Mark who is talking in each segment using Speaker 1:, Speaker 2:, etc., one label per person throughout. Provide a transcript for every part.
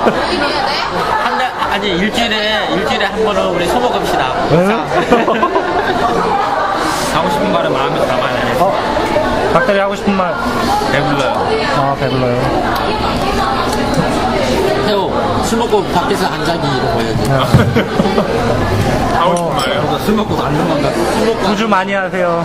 Speaker 1: 아니 일주일에 한 번은 우리 소모 갑시다.
Speaker 2: 하고 싶은 말은 마음에 담아야
Speaker 3: 박대리 하고 싶은 말.
Speaker 2: 배불러요.
Speaker 3: 아, 배불러요.
Speaker 1: 태호 술 먹고 밖에서 안 자기 이런 거 해야지.
Speaker 2: 하고 싶은 말이요? 술 먹고 안 도망가.
Speaker 3: 구주 많이 하세요.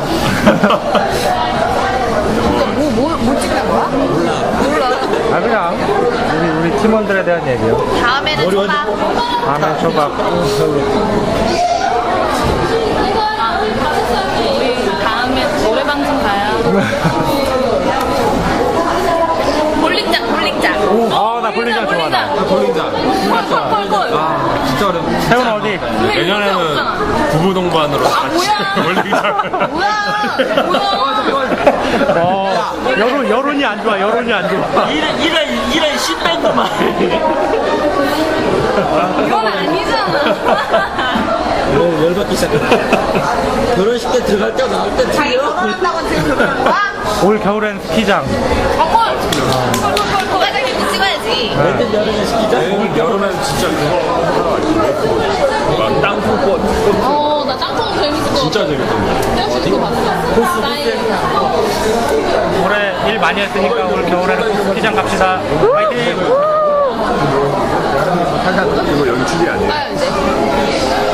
Speaker 4: 뭐 찍는 거야? 몰라.
Speaker 3: 아, 그냥 우리 팀원들에 대한 얘기요.
Speaker 4: 다음에는 초밥.
Speaker 3: 다음에 초밥.
Speaker 4: 우리 다음에 노래방송 가요. 볼링장.
Speaker 3: 아, 나 볼링장 좋아. 나.
Speaker 2: 볼링장.
Speaker 4: 콜.
Speaker 2: 아, 진짜 어려워.
Speaker 3: 태훈 어디?
Speaker 2: 내년에는 부부 동반으로 같이 볼링장.
Speaker 3: 여론이 안 좋아. 여론이 안 좋아.
Speaker 1: 이런 신밴드만.
Speaker 4: 이건 아니잖아.
Speaker 1: 열받기 시작했다. 결혼식 때 들어갈 때 나올 때
Speaker 4: 자기 결혼한다고 지금 그러는 거야?
Speaker 3: 올 겨울엔 스키장.
Speaker 4: 콜. 과장님도 찍어야지.
Speaker 1: 내년 여름에 시키자.
Speaker 2: 내년 여름엔 진짜 그거 땅콩꽃
Speaker 4: 나 짱통 재밌을 것
Speaker 2: 진짜 재밌던데.
Speaker 4: 짱통 봤어.
Speaker 3: 올해 일 많이 했으니까 올 겨울에는 꼭 스키장 갑시다. 화이팅!
Speaker 2: 이거 연출이 아니에요.
Speaker 4: 가야지.